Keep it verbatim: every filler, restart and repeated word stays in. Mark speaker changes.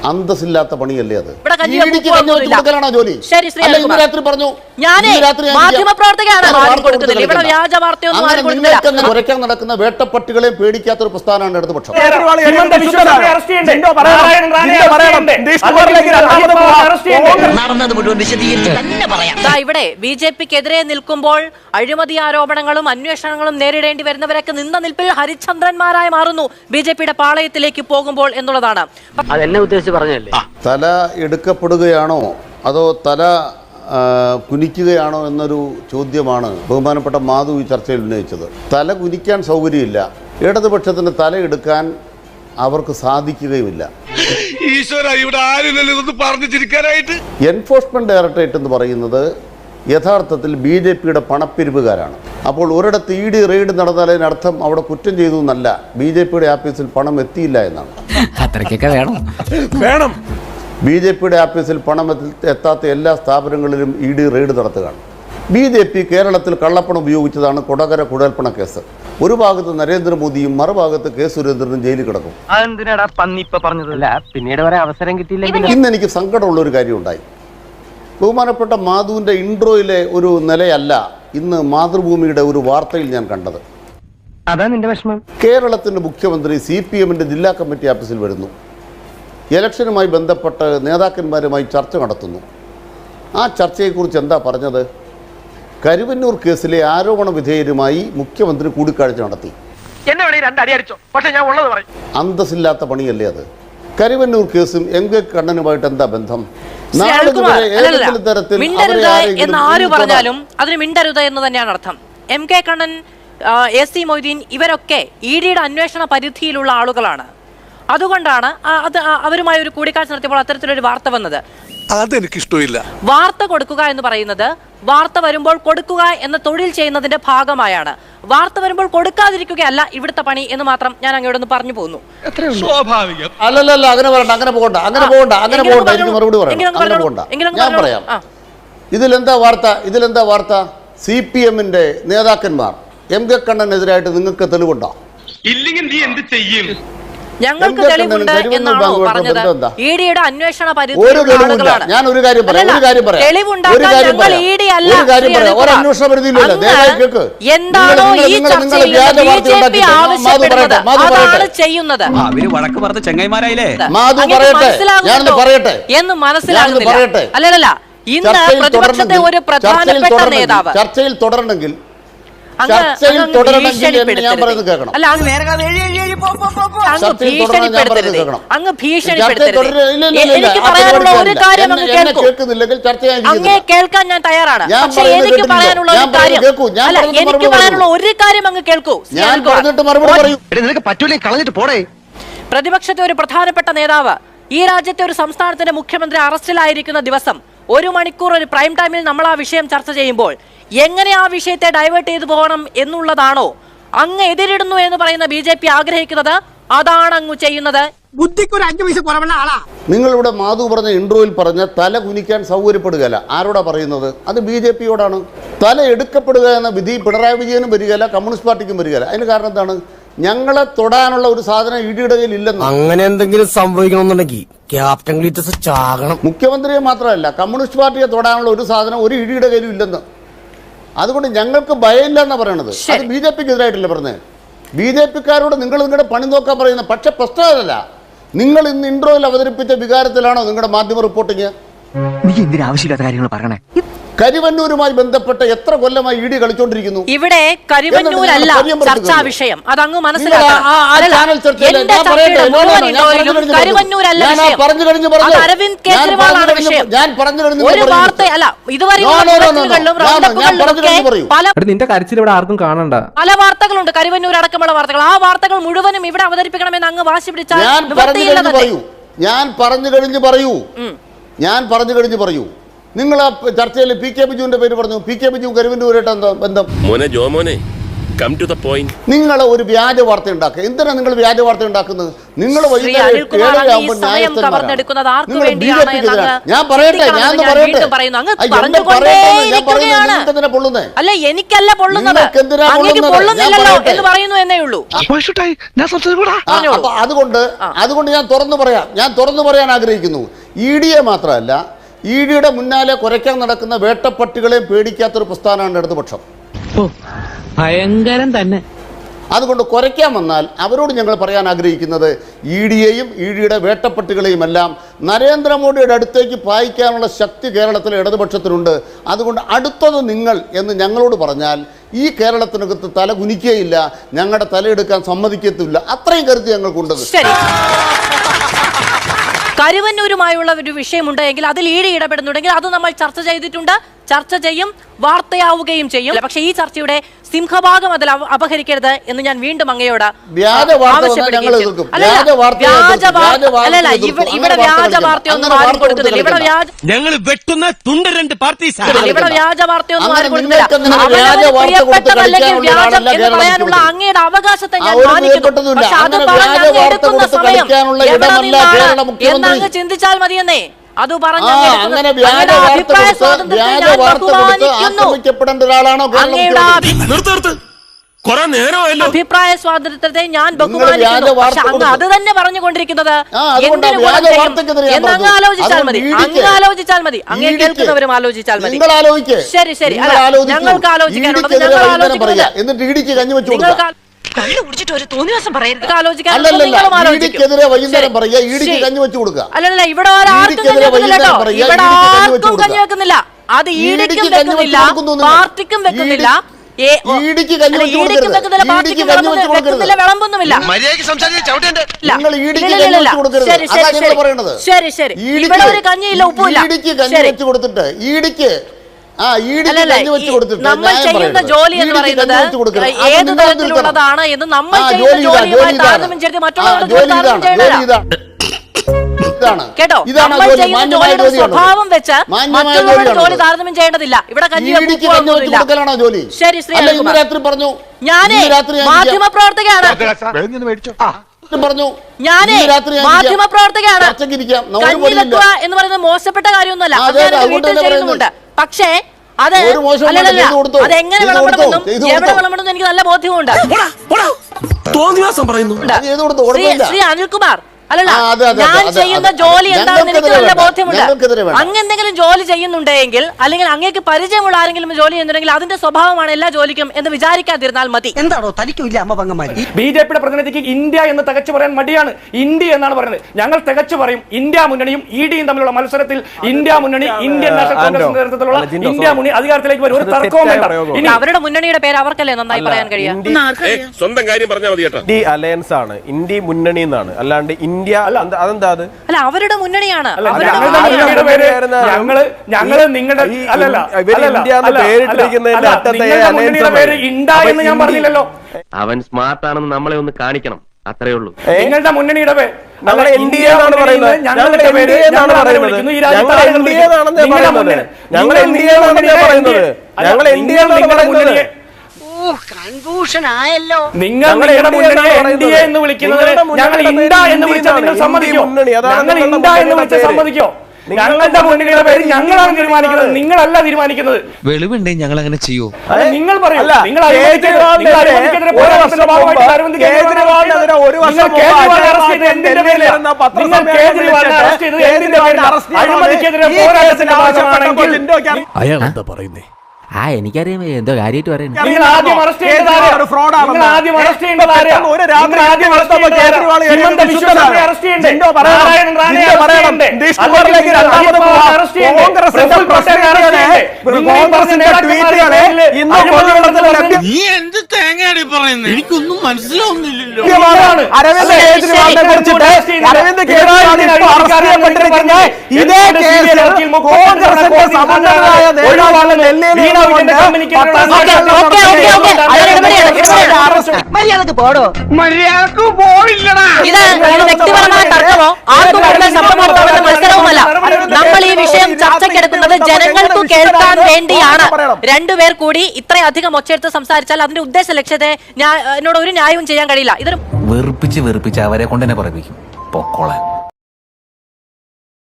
Speaker 1: അന്തസ്സില്ലാത്ത പണിയല്ലേ അത്? ജോലി കുറയ്ക്കാൻ നടക്കുന്ന വേട്ടപ്പട്ടികളെ പേടിക്കാത്ത ഒരു പ്രസ്ഥാനമാണ് ഇടതുപക്ഷം.
Speaker 2: ഇവിടെ ബി ജെ പിക്കെതിരെ നിൽക്കുമ്പോൾ അഴിമതി ആരോപണങ്ങളും അന്വേഷണങ്ങളും നേരിടേണ്ടി വരുന്നവരൊക്കെ നിന്ന നിൽപ്പിൽ ഹരിചന്ദ്രന്മാരായി മാറുന്നു ബി ജെ പിയുടെ പാളയത്തിലേക്ക് പോകുമ്പോൾ എന്നുള്ളതാണ്.
Speaker 3: അതെന്നെ ഉദ്ദേശിച്ച് പറഞ്ഞല്ലേ.
Speaker 1: തല എടുക്കപ്പെടുകയാണോ അതോ തല കുനിക്കുകയാണോ എന്നൊരു ചോദ്യമാണ് ബഹുമാനപ്പെട്ട മാധു ഈ ചർച്ചയിൽ ഉന്നയിച്ചത്. തല കുനിക്കാൻ സൗകര്യമില്ല, ഇടതുപക്ഷത്തിന് തല എടുക്കാൻ അവർക്ക് സാധിക്കുകയുമില്ല. എൻഫോഴ്സ്മെന്റ് ഡയറക്ടറേറ്റ് എന്ന് പറയുന്നത് യഥാർത്ഥത്തിൽ ബി ജെ പിയുടെ പണപ്പിരിവുകാരാണ്. അപ്പോൾ ഒരിടത്ത് ഇ ഡി റെയ്ഡ് നടന്നാൽ അതിനർത്ഥം അവിടെ കുറ്റം ചെയ്തു എന്നല്ല, ബി ജെ പിയുടെ ആഫീസിൽ പണം എത്തിയില്ല എന്നാണ്.
Speaker 4: വേണം
Speaker 1: ബി ജെ പിയുടെ ആഫീസിൽ പണം എത്താത്ത എല്ലാ സ്ഥാപനങ്ങളിലും ഇ ഡി റെയ്ഡ് നടത്തുകയാണ്. ബി ജെ പി കേരളത്തിൽ കള്ളപ്പണം ഉപയോഗിച്ചതാണ് കൊടകര കുഴൽപ്പണ കേസ്. ഒരു ഭാഗത്ത് നരേന്ദ്രമോദിയും മറുഭാഗത്ത് കെ സുരേന്ദ്രനും ജയിലിൽ കിടക്കും.
Speaker 3: പിന്നീട് വരെ അവസരം കിട്ടിയില്ല.
Speaker 1: ഇന്ന് എനിക്ക് സങ്കടമുള്ള ഒരു കാര്യം ഉണ്ടായി. ബഹുമാനപ്പെട്ട മാധുവിൻ്റെ ഇൻട്രോയിലെ ഒരു നിലയല്ല ഇന്ന് മാതൃഭൂമിയുടെ ഒരു വാർത്തയിൽ ഞാൻ കണ്ടത്.
Speaker 3: അതാ നിന്റെ വിഷമം.
Speaker 1: കേരളത്തിൻ്റെ മുഖ്യമന്ത്രി സി പി എമ്മിൻ്റെ ജില്ലാ കമ്മിറ്റി ഓഫീസിൽ വരുന്നു, ഇലക്ഷനുമായി ബന്ധപ്പെട്ട് നേതാക്കന്മാരുമായി ചർച്ച നടത്തുന്നു. ആ ചർച്ചയെക്കുറിച്ച് എന്താ പറഞ്ഞത്? കരുവന്നൂർ കേസിലെ ആരോപണ വിധേയരുമായി മുഖ്യമന്ത്രി കൂടിക്കാഴ്ച നടത്തി. അന്തസ്സില്ലാത്ത പണിയല്ലേ അത്? കരുവന്നൂർ കേസും എം കെ കണ്ണനുമായിട്ട് എന്താ ബന്ധം?
Speaker 2: എന്ന് ആര് പറഞ്ഞാലും അതിന് മിണ്ടരുത് എന്ന് തന്നെയാണ് അർത്ഥം. M K Kannan, A C Moideen ഇവരൊക്കെ ഇ ഡിയുടെ അന്വേഷണ പരിധിയിലുള്ള ആളുകളാണ്. അതുകൊണ്ടാണ് അത് അവരുമായി ഒരു കൂടിക്കാഴ്ച നടത്തിയപ്പോൾ അത്തരത്തിലൊരു വാർത്ത വന്നത്.
Speaker 4: അതെനിക്കിഷ്ടമില്ല.
Speaker 2: വാർത്ത കൊടുക്കുക എന്ന് പറയുന്നത് വാർത്ത വരുമ്പോൾ കൊടുക്കുക എന്ന തൊഴിൽ ചെയ്യുന്നതിന്റെ ഭാഗമായാണ്. വാർത്ത വരുമ്പോൾ കൊടുക്കാതിരിക്കുകയല്ല ഇവിടുത്തെ പണി എന്ന് മാത്രം ഞാൻ അങ്ങോട്ടൊന്ന് പറഞ്ഞു പോകുന്നു.
Speaker 1: അല്ലല്ല, അങ്ങനെ പറയണ്ട, അങ്ങനെ പോകണ്ട, അങ്ങനെ പോകണ്ട, അങ്ങനെ പോകണ്ട. എനിക്ക് മറുപടി പറയാം, അങ്ങനെ പോകണ്ട. ഞാൻ പറയാം. ഇതിലെന്താ വാർത്ത? ഇതിലെന്താ വാർത്ത? സി പി എമ്മിന്റെ നേതാക്കന്മാർ എം കെ കണ്ണനെതിരായിട്ട് നിങ്ങൾക്ക് തെളിവുണ്ടോ?
Speaker 4: ഇല്ലെങ്കിൽ നീ എന്ത് ചെയ്യും?
Speaker 2: ഞങ്ങൾക്ക് തെളിവുണ്ട് എന്നാണോ പറഞ്ഞത്? ഇ ഡിയുടെ അന്വേഷണ
Speaker 1: പരിധിയിലാണ്. ഞാൻ ഒരു കാര്യം പറയാം, ഒരു കാര്യം പറയാം,
Speaker 2: എന്താണോ ഈ ചർച്ചയിൽ ബി ജെ പി ആവശ്യപ്പെടുന്നത് അതാണ് ചെയ്യുന്നത് എന്ന് മനസ്സിലാകുന്നില്ല. അല്ലല്ല, ഇന്ന് പ്രതിപക്ഷത്തെ ഒരു പ്രധാനപ്പെട്ട നേതാവ്
Speaker 1: ചർച്ചയിൽ തുടരണമെങ്കിൽ
Speaker 2: അങ്ങ് ഭീഷണിപ്പെടുത്തരുത്. എനിക്ക് പറയാനുള്ള ഒരു കാര്യം അങ്ങ് കേൾക്കൂ. അങ്ങേ കേൾക്കാൻ ഞാൻ തയ്യാറാണ്. പക്ഷെ എനിക്ക് പറയാനുള്ള ഒരു കാര്യം അല്ല, എനിക്ക് പറയാനുള്ള ഒരു കാര്യം അങ്ങ് കേൾക്കൂ. പ്രതിപക്ഷത്തെ ഒരു പ്രധാനപ്പെട്ട നേതാവ് ഈ രാജ്യത്തെ ഒരു സംസ്ഥാനത്തിന്റെ മുഖ്യമന്ത്രി അറസ്റ്റിലായിരിക്കുന്ന ദിവസം ഒരു മണിക്കൂർ ഒരു പ്രൈം ടൈമിൽ നമ്മൾ ആ വിഷയം ചർച്ച ചെയ്യുമ്പോൾ എങ്ങനെ ആ വിഷയത്തെ ഡൈവേർട്ട് ചെയ്തു പോകണം എന്നുള്ളതാണോ അങ്ങ് എതിരിടുന്നു എന്ന് പറയുന്ന ബി ജെ പി ആഗ്രഹിക്കുന്നത്? അതാണ് അങ്ങ് ചെയ്യുന്നത്.
Speaker 5: ബുദ്ധിക്കൊരു അഞ്ചു പൈസ കുറവുള്ള ആളാ
Speaker 1: നിങ്ങളിവിടെ. മാധു പറഞ്ഞ ഇൻട്രോയിൽ പറഞ്ഞ തല കുനിക്കാൻ സൗകര്യപ്പെടുകയല്ല. ആരോടാ പറയുന്നത്? അത് ബി ജെ പിയോടാണ്. തല എടുക്കപ്പെടുക എന്ന വിധി പിണറായി വിജയനും വരികയല്ല, കമ്മ്യൂണിസ്റ്റ് പാർട്ടിക്കും വരികയല്ല. അതിന് കാരണം എന്താണ്? ഞങ്ങളെ തൊടാനുള്ള ഒരു സാധനം ഇടിയുടെ കയ്യിൽ ഇല്ലെന്ന്.
Speaker 5: അങ്ങനെ എന്തെങ്കിലും സംഭവിക്കണമെന്നുണ്ടെങ്കിൽ ക്യാപ്റ്റൻ ഗ്ലീറ്റസ് ചാകണം.
Speaker 1: മുഖ്യമന്ത്രിയെ മാത്രമല്ല, കമ്മ്യൂണിസ്റ്റ് പാർട്ടിയെ തൊടാനുള്ള ഒരു സാധനം ഒരു ഇടിയുടെ കയ്യിലും ഇല്ലെന്ന്. അതുകൊണ്ട് ഞങ്ങൾക്ക് ഭയമില്ല എന്നാ പറയണത്. അത് ബി ജെ പിക്ക് എതിരായിട്ടല്ലേ പറഞ്ഞത്? ബി ജെ പിക്കാരോട് നിങ്ങൾ നിങ്ങളുടെ പണി നോക്കാൻ പറയുന്നത്. പക്ഷെ പ്രശ്നമല്ല, നിങ്ങൾ ഇന്ന് ഇൻട്രോയിൽ അവതരിപ്പിച്ച വികാരത്തിലാണോ നിങ്ങളുടെ മാധ്യമ റിപ്പോർട്ടിങ്?
Speaker 3: നീ എന്തിനാ ആവശ്യമില്ലാത്ത കാര്യങ്ങൾ പറയണേ?
Speaker 1: കരിവന്നൂരുമായി ബന്ധപ്പെട്ട എത്ര കൊല്ലമായി ഇ ഡി കളിച്ചോണ്ടിരിക്കുന്നു?
Speaker 2: ഇവിടെ കരിവന്നൂരല്ല ചർച്ചാ വിഷയം. അതങ്ങ് മനസ്സിലാക്കണം. അരവിന്ദ് കേജ്രിവാളാണ് വിഷയം. ഒരു വാർത്ത അല്ല, ഇതുവരെ
Speaker 6: നിന്റെ കരച്ചിൽ ഇവിടെ ആർക്കും കാണണ്ട.
Speaker 2: പല വാർത്തകളുണ്ട്, കരിവന്നൂർ അടക്കമുള്ള വാർത്തകൾ. ആ വാർത്തകൾ മുഴുവനും ഇവിടെ അവതരിപ്പിക്കണമെന്ന് അങ്ങ് വാശി പിടിച്ചാൽ
Speaker 1: ഞാൻ പറഞ്ഞു കഴിഞ്ഞ് പറയൂ ഞാൻ പറഞ്ഞു കഴിഞ്ഞ് പറയൂ ഞാൻ പറഞ്ഞു കഴിഞ്ഞ് പറയൂ നിങ്ങൾ ആ ചർച്ചയിൽ പി കെ ബിജുവിന്റെ പേര് പറഞ്ഞു. പി കെ ബിജു കരുവന്നൂരായിട്ട് എന്താ ബന്ധം?
Speaker 7: മോനെ ജോ മോനെ കം ടു ദ പോയിന്റ്.
Speaker 1: നിങ്ങൾ ഒരു വ്യാജ വാർത്ത ഉണ്ടാക്കുക. എന്തിനാണ് നിങ്ങൾ വ്യാജ വാർത്ത ഉണ്ടാക്കുന്നത്? നിങ്ങൾ
Speaker 2: ശ്രീ അനിൽകുമാർ അങ്ങ് ഈ സമയം കവർന്നെടുക്കുന്നത് ആർക്ക് വേണ്ടിയാണ് എന്നങ്ങ്
Speaker 1: ഞാൻ പറയട്ടെ ഞാൻ
Speaker 2: ചിന്തിക്കണമെന്ന് ഞാൻ വീണ്ടും പറയുന്നു. അങ്ങ് പറഞ്ഞുകൊണ്ടേയിരിക്കുകയാണ്. അല്ല, എനിക്കല്ല പൊള്ളുന്നത്, അങ്ങേക്ക് പൊള്ളുന്നില്ലല്ലോ എന്ന് പറയുന്നു എന്നേ ഉള്ളൂ.
Speaker 1: അപ്പൊ അതുകൊണ്ട് അതുകൊണ്ട് ഞാൻ തുറന്നു പറയാം ഞാൻ തുറന്നു പറയാൻ ആഗ്രഹിക്കുന്നു. ഇ ഡിയെ മാത്രമല്ല, ഇ ഡിയുടെ മുന്നാലെ കുരയ്ക്കാൻ നടക്കുന്ന വേട്ടപ്പട്ടികളെയും പേടിക്കാത്തൊരു പ്രസ്ഥാനമാണ് ഇടതുപക്ഷം.
Speaker 3: ഭയങ്കരം തന്നെ.
Speaker 1: അതുകൊണ്ട് കുരയ്ക്കാൻ വന്നാൽ അവരോട് ഞങ്ങൾ പറയാൻ ആഗ്രഹിക്കുന്നത് ഇ ഡിയെയും ഇ ഡിയുടെ വേട്ടപ്പട്ടികളെയും എല്ലാം നരേന്ദ്രമോദിയുടെ അടുത്തേക്ക് പായിക്കാനുള്ള ശക്തി കേരളത്തിലെ ഇടതുപക്ഷത്തിനുണ്ട്. അതുകൊണ്ട് അടുത്തത് നിങ്ങൾ എന്ന് ഞങ്ങളോട് പറഞ്ഞാൽ ഈ കേരളത്തിനകത്ത് തല കുനിക്കുകയില്ല, ഞങ്ങളുടെ തലയെടുക്കാൻ സമ്മതിക്കത്തില്ല. അത്രയും കരുത്ത് ഞങ്ങൾക്കുണ്ട്.
Speaker 2: ശരി, കരുവന്നൂരുമായുള്ള ഒരു വിഷയമുണ്ട് എങ്കിൽ അതിൽ ഈട് ഇടപെടുന്നുണ്ടെങ്കിൽ അത് നമ്മൾ ചർച്ച ചെയ്തിട്ടുണ്ട്, ചർച്ച ചെയ്യും, വാർത്തയാവുകയും ചെയ്യും. പക്ഷേ ഈ ചർച്ചയുടെ സിംഹഭാഗം അതിൽ അപഹരിക്കരുത് എന്ന് ഞാൻ വീണ്ടും അങ്ങയോട് ആവശ്യപ്പെടുകയും അല്ലല്ല ഇവിടെ വ്യാജ വാർത്തയൊന്നും ആരും കൊടുക്കുന്നില്ല. ഇവിടെ വ്യാജ
Speaker 7: ഞങ്ങൾ വെട്ടുന്ന തുണ്ട രണ്ട് പാർട്ടി
Speaker 2: ഇവിടെ വ്യാജ വാർത്തയൊന്നും ആരും കൊടുക്കുന്നില്ല. പ്രിയപ്പെട്ടതല്ലെങ്കിൽ വ്യാജം എന്ന് പറയാനുള്ള അങ്ങയുടെ അവകാശത്തെ ഞാൻ മാനിക്കുന്നു. പക്ഷെ അത് പറഞ്ഞ് അങ്ങ് എടുക്കുന്ന സമയം എവിടെ നിന്നാണ് എന്നങ്ങ് ചിന്തിച്ചാൽ മതിയെന്നേ. അത് പറഞ്ഞു അഭിപ്രായ സ്വാതന്ത്ര്യത്തെ ഞാൻ ബഹുമാനിക്കുന്നു. അഭിപ്രായ സ്വാതന്ത്ര്യത്തെ ഞാൻ ബഹുമാനിക്കുന്നു. പക്ഷെ അങ്ങ് അത് തന്നെ പറഞ്ഞുകൊണ്ടിരിക്കുന്നത് എന്നങ്ങ് ആലോചിച്ചാൽ മതി, അങ്ങ് ആലോചിച്ചാൽ മതി, അങ്ങേ കേൾക്കുന്നവരും ആലോചിച്ചാൽ മതി. ശരി ശരി, അല്ല ഞങ്ങൾക്ക് ആലോചിക്കാനുള്ളത് ഞങ്ങൾ ആലോചിക്കുന്നത്. നിങ്ങൾക്ക് അല്ലല്ല ഇവിടെ ആർക്കും കഞ്ഞി വെക്കുന്നില്ല കേട്ടോ, ഇവിടെ ആർക്കും കഞ്ഞി വെക്കുന്നില്ല. അത് ഈടിക്കും വെക്കുന്നില്ല, പാർട്ടിക്കും വെക്കുന്നില്ല, വിളമ്പൊന്നുമില്ല. ശരി ശരി, ഇവിടെ ഒരു കഞ്ഞിയില്ല, ഉപ്പില്ല. നമ്മൾ ചെയ്യുന്ന ജോലി എന്ന് പറയുന്നത് ഏത് തരത്തിലുള്ളതാണ് എന്ന് നമ്മൾ ചെയ്യുന്ന ജോലിയുമായി താരതമ്യം ചെയ്ത് മറ്റുള്ളവരുടെ ജോലി താരതമ്യം ചെയ്യണ കേട്ടോ. നമ്മൾ ചെയ്യുന്ന ജോലിയുടെ സ്വഭാവം വെച്ച് മറ്റുള്ളവരുടെ ജോലി താരതമ്യം ചെയ്യേണ്ടതില്ല. ഇവിടെ കഞ്ഞി ശരി ശ്രീ ഞാനേ മാധ്യമ പ്രവർത്തകയാണ്, ഞാനേ മാധ്യമ പ്രവർത്തകയാണ്. കഞ്ഞി വെക്കുക എന്ന് പറയുന്നത് മോശപ്പെട്ട കാര്യമൊന്നുമല്ല, അത് വീട്ടിൽ ചെയ്യുന്നുമുണ്ട്. പക്ഷേ അത് അല്ലല്ല, അതെങ്ങനെ വിളമ്പണമെന്നും എവിടെ വിളമ്പണമെന്നും എനിക്ക് നല്ല ബോധ്യമുണ്ട്. ശ്രീ അനിൽകുമാർ, അല്ലല്ല ഞാൻ ചെയ്യുന്ന ജോലി എന്താണെന്ന് എനിക്ക് നല്ല ബോധ്യമുണ്ട്. അങ്ങ് എന്തെങ്കിലും ജോലി ചെയ്യുന്നുണ്ടെങ്കിൽ അല്ലെങ്കിൽ അങ്ങേക്ക് പരിചയമുള്ള ആരെങ്കിലും ജോലി ചെയ്യുന്നുണ്ടെങ്കിൽ അതിന്റെ സ്വഭാവമാണ് എല്ലാ ജോലിക്കും എന്ന് വിചാരിക്കാതിരുന്നാൽ മതി.
Speaker 5: എന്താണോ തനിക്കില്ല അമ്മ പങ്കമാരി?
Speaker 8: ബി ജെ പിയുടെ പ്രതിനിധിക്ക് ഇന്ത്യ എന്ന് തികച്ചു പറയാൻ മടിയാണ്. ഇന്ത്യ എന്നാണ് പറയുന്നത്. ഞങ്ങൾ തികച്ചു പറയും. ഇന്ത്യ മുന്നണിയും ഇ ഡിയും തമ്മിലുള്ള മത്സരത്തിൽ ഇന്ത്യ മുന്നണി, ഇന്ത്യൻ നാഷണൽ കോൺഗ്രസ് നേതൃത്വത്തിലുള്ള ഇന്ത്യ മുന്നണി അധികാരത്തിലേക്ക് വരും. ഒരു തർക്കവും വേണ്ട.
Speaker 2: ഇനി അവരുടെ മുന്നണിയുടെ പേര് അവർക്കല്ലേ നന്നായി പറയാൻ കഴിയാം.
Speaker 7: സ്വന്തം കാര്യം പറഞ്ഞാൽ മതി കേട്ടോ.
Speaker 9: ഇന്ത്യ അലയൻസ് ആണ്, ഇന്ത്യ മുന്നണി എന്നാണ്, അല്ലാണ്ട് ഇന്ത്യ അതെന്താ? അത്
Speaker 2: അല്ല അവരുടെ മുന്നണിയാണ്.
Speaker 8: ഞങ്ങള് ഞങ്ങള് നിങ്ങളുടെ അല്ലല്ല പേര് ഇന്ത്യ എന്ന് ഞാൻ പറഞ്ഞില്ലല്ലോ.
Speaker 3: അവൻ സ്മാർട്ട് ആണെന്ന് നമ്മളെ ഒന്ന് കാണിക്കണം, അത്രേ ഉള്ളൂ.
Speaker 8: നിങ്ങളുടെ മുന്നണിയുടെ പേര്
Speaker 9: ഞങ്ങൾ ഇന്ത്യ എന്നാണ് പറയുന്നത്. ഞങ്ങളുടെ പേര് എന്നാണ് പറയുന്നത്. ഞങ്ങൾ ഇന്ത്യ എന്നാണെന്ന് പറയുന്നത്. ഞങ്ങൾ ഇന്ത്യ എന്നാണെന്ന് പറയുന്നത്. ഞങ്ങൾ ഇന്ത്യ എന്നാണ് പറയുന്നത്.
Speaker 5: കൺഫ്യൂഷൻ ആയല്ലോ.
Speaker 8: നിങ്ങൾ നിങ്ങളുടെ മുന്നണിയെ എൻ ഡി എ എന്ന് വിളിക്കുന്നത് ഞങ്ങൾ ഇന്ത്യ എന്ന് വിളിച്ചാൽ നിങ്ങൾ സമ്മതിക്കോ? ഞങ്ങൾ ഇന്ത്യ എന്ന് വിളിച്ചാൽ സമ്മതിക്കോ? ഞങ്ങളുടെ മുന്നണിയുടെ പേര് ഞങ്ങളാണ് തീരുമാനിക്കുന്നത്, നിങ്ങളല്ല തീരുമാനിക്കുന്നത്.
Speaker 10: വെളിവുണ്ടേ ഞങ്ങൾ അങ്ങനെ ചെയ്യൂ.
Speaker 8: നിങ്ങൾ പറയൂ. നിങ്ങൾ അഴിമതിക്കെതിരെ പോരാട്ടത്തിന്റെ ഭാഗമായിട്ട് അരവിന്ദ് കേജ്രിവാളിനെ ഒരു വർഷം അറസ്റ്റ് ചെയ്ത് എന്തിന്റെ പേരിലാണ്? നിങ്ങൾ കേജ്രിവാളിനെ അറസ്റ്റ് ചെയ്തത് എന്തിന്റെ പേരിലാണ്? അഴിമതിക്കെതിരെ പോരാട്ടത്തിന്റെ ഭാഗമാണെങ്കിൽ
Speaker 5: അയാൾ എന്താ പറയുന്നേ? ആ എനിക്കറിയാം എന്തോ കാര്യമായിട്ട് പറയുന്നത്.
Speaker 8: നിങ്ങൾ ആദ്യം അറസ്റ്റ് ചെയ്യേണ്ടത് നിങ്ങൾ ആദ്യം അറസ്റ്റ് ചെയ്യേണ്ടത് ഒരു രാത്രി ആദ്യം അറസ്റ്റ് ചെയ്യേണ്ടത് ഹിമന്ത വിശ്വനെ അറസ്റ്റ് ചെയ്യണ്ടേ? നാരായണൻ റാണയെ അറസ്റ്റ് ചെയ്യണ്ടേ? അല്ലെങ്കിൽ അറസ്റ്റ് ചെയ്യണ്ടേ? പ്രഫുൽ പട്ടേലിനെ അറസ്റ്റ് ചെയ്യണ്ടേ? നിങ്ങൾ പറഞ്ഞ നേതാക്കന്മാരെ
Speaker 4: നീ എന്ത് തേങ്ങയാണ് പറയുന്നത്? എനിക്കൊന്നും മനസ്സിലാവുന്നില്ലല്ലോ.
Speaker 9: അരവിന്ദ് കേജ്രിവാളിനെ കുറിച്ചിട്ട് അരവിന്ദ് കേജ്രിവാളിനെ അറസ്റ്റ് ചെയ്യപ്പെട്ടിരിക്കുന്ന ഇതേ കേസിൽ കോൺഗ്രസിന്റെ സമന്വയ നേതാവാണ് ഡൽഹിയിൽ
Speaker 11: മര്യാദക്ക് പോടോ.
Speaker 4: മര്യാദക്ക് പോയില്ലടാ.
Speaker 2: ഇത് ഇത് വ്യക്തിപരമായ തർക്കമോ ആർക്കും കൂടുതൽ ശബ്ദമുണ്ടാവുന്ന മത്സരവുമല്ല. നമ്മൾ ഈ വിഷയം ചർച്ചയ്ക്കെടുക്കുന്നത് ജനങ്ങൾക്ക് കേൾക്കാൻ വേണ്ടിയാണ്. രണ്ടുപേർ കൂടി ഇത്രയധികം ഒച്ചയെടുത്ത് സംസാരിച്ചാൽ അതിന്റെ ഉദ്ദേശ ലക്ഷ്യത്തെ എന്നോട് ഒരു ന്യായവും ചെയ്യാൻ കഴിയില്ല. ഇതൊരു
Speaker 10: വെറുപ്പിച്ച് വെറുപ്പിച്ച് അവരെ കൊണ്ട് തന്നെ പറയിപ്പിക്കും പൊക്കോളാൻ.